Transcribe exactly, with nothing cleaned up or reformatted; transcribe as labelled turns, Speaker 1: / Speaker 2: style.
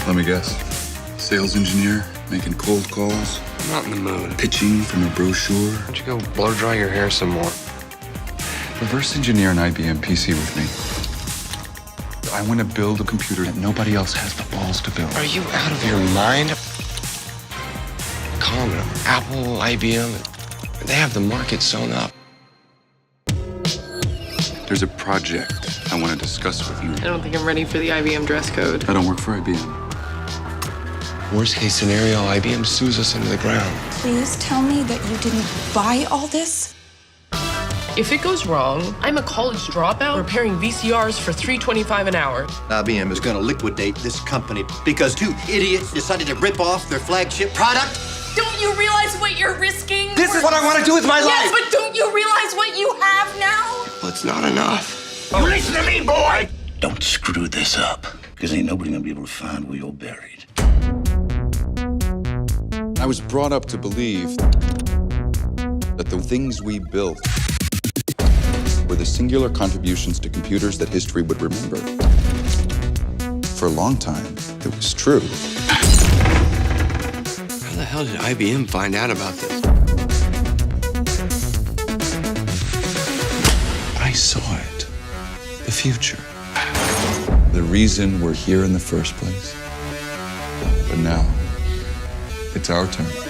Speaker 1: Let me guess. Sales engineer, making cold calls,
Speaker 2: I'm not in the mood.
Speaker 1: pitching from a brochure.
Speaker 2: Why don't you go blow dry your hair some more?
Speaker 1: Reverse engineer an I B M P C with me. I want to build a computer that nobody else has the balls to build.
Speaker 2: Are you out of your mind? Calm down. Apple, I B M, they have the market sewn up.
Speaker 1: There's a project I want to discuss with you.
Speaker 3: I don't think I'm ready for the I B M dress code.
Speaker 1: I don't work for I B M.
Speaker 2: Worst case scenario, I B M sues us into the ground.
Speaker 4: Please tell me that you didn't buy all this?
Speaker 3: If it goes wrong, I'm a college dropout repairing V C Rs for three twenty-five an hour.
Speaker 5: I B M is going to liquidate this company because two idiots decided to rip off their flagship product.
Speaker 6: Don't you realize what you're risking?
Speaker 5: This is what I want to do with my
Speaker 6: Yes,
Speaker 5: life.
Speaker 6: but don't you realize what you have now?
Speaker 2: Well, it's not enough.
Speaker 7: You listen to me, boy! Don't screw this up, because ain't nobody gonna be able to find where you're buried.
Speaker 1: I was brought up to believe that the things we built were the singular contributions to computers that history would remember. For a long time, it was true.
Speaker 2: How the hell did I B M find out about this?
Speaker 1: I saw it. The future. The reason we're here in the first place. But now, it's our turn.